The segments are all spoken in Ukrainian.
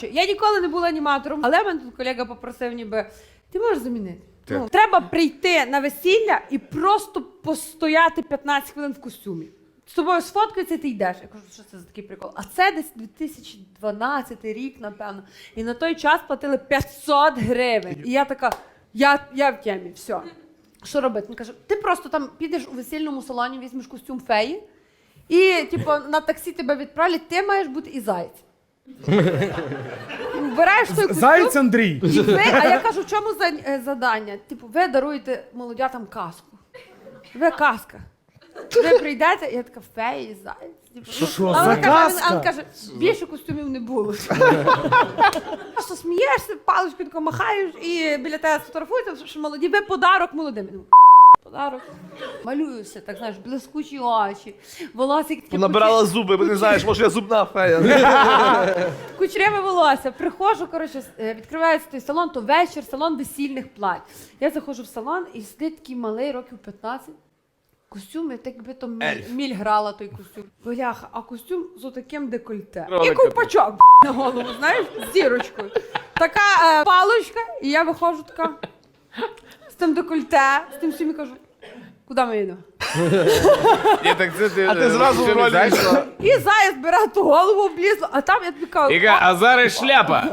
Я ніколи не була аніматором, але мене тут колега попросив ніби, ти можеш замінити? Ну, треба прийти на весілля і просто постояти 15 хвилин в костюмі. З тобою сфоткаються, і ти йдеш. Я кажу, що це за такий прикол? А це десь 2012 рік, напевно. І на той час платили 500 гривень. І я така, я в темі, все. Що робити? Він каже, ти просто там підеш у весільному салоні, візьмеш костюм феї, і типу, на таксі тебе відправлять, ти маєш бути і заєць. Вбираєш той костюм. Заєць Андрій. І ви, а я кажу, в чому завдання? Типу, ви даруєте молодятам казку. Ви казка. Ви прийдете, я така, феї, заєць. Що за казка? А він каже, більше костюмів не було. А що смієшся, паличкою тако махаєш і біля тебе сфотографуються, що молоді, ви подарок молодим. Подарок. Малююся, так, знаєш, блискучі очі, волосся таке Набирала зуби, бо не знаєш, може я зубна фея. кучеряве волосся. Приходжу, коротше, відкривається той салон, то вечір, салон весільних плать. Я заходжу в салон і сидить такий малий, років 15. Костюм, так якби то міль грала той костюм. Бляха, а костюм з отаким декольте. І ковпачок на голову, знаєш, з зірочкою. Така паличка, і я виходжу така з тим декольте, з тим всім і кажу, куди ми йдемо? А ти зразу в ролі. І заяць бере ту голову облізло, а там я тобі кажу, Іга, а зараз шляпа.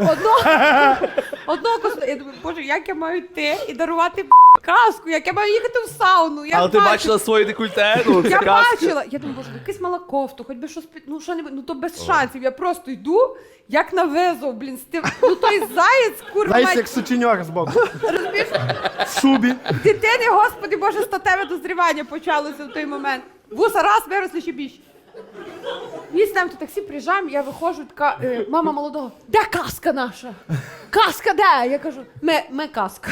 одного костюму. Я думаю, боже, як я маю йти і дарувати казку, як я маю їхати в сауну. Але ти бачила своє декольте? Ну, це Я казка. бачила. Я думаю, боже, якась мала кофту, хоч би щось, ну що-небудь, ну то без шансів. Я просто йду, як на визов, блін, ну той заєць, курва, Знаєш, мать, як сутіньор з боку. розумієш? В шубі. Дитини, господи, боже, статеве дозрівання почалося в той момент. Вуса раз, виросли ще більше. Ми з ним до таксі приїжджаємо, я виходжу, така, мама молодого, де казка наша? Казка де? Я кажу, ми казка.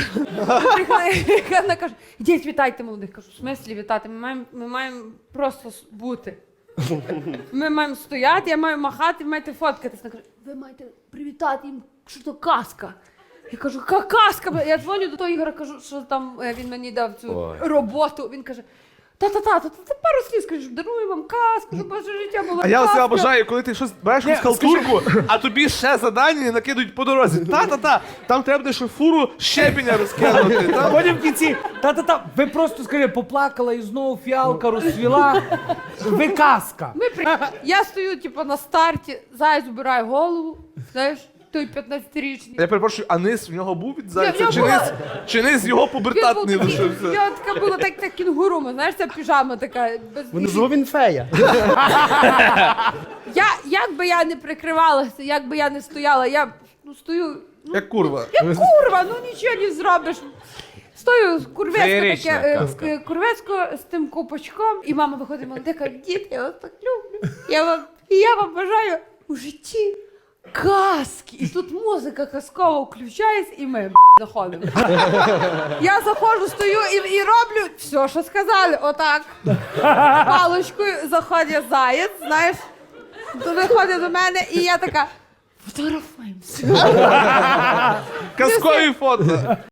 Вона каже, ідіть, вітайте молодих. Кажу, в смислі вітати? Ми маємо просто бути. Ми маємо стояти, я маю махати, ви маєте фоткатись. Вона каже, ви маєте привітати їм, що то казка. Я кажу, яка казка? Я дзвоню до того Ігора, кажу, що там він мені дав цю роботу. Він каже, та-та-та, пару слів скажеш, дарую вам казку, щоб ваше життя було А я казка. оце обожаю, коли ти щось береш якусь халтурку, а тобі ще задання накидують по дорозі. Та-та-та, там треба буде ще фуру щебеня розкинути. А потім в кінці, ви просто, скажи, поплакала і знову фіалка розцвіла. Ви казка. Я стою, типу, на старті, заяць убирає голову, знаєш, той 15-річний. Я перепрошую, а низ в нього був від зайця? Я Чи була. низ його пубертатний лишився? Я така була, так кінгуру, знаєш, ця піжама така. Внизу він фея. Як би я не прикривалася, як би я не стояла, я стою, Як курва. як курва, нічого не зробиш. Стою Феєрична курвецько курвецько з тим копачком, і мама виходить молода, каже, дід, я вас так люблю. Я вам бажаю у житті казки. І тут музика казкова включається, і ми заходимо. Я заходжу, стою і роблю все, що сказали, отак. Палочкою заходить заєць, знаєш, виходить до мене, і я така, фотографуємося. Казкові фото.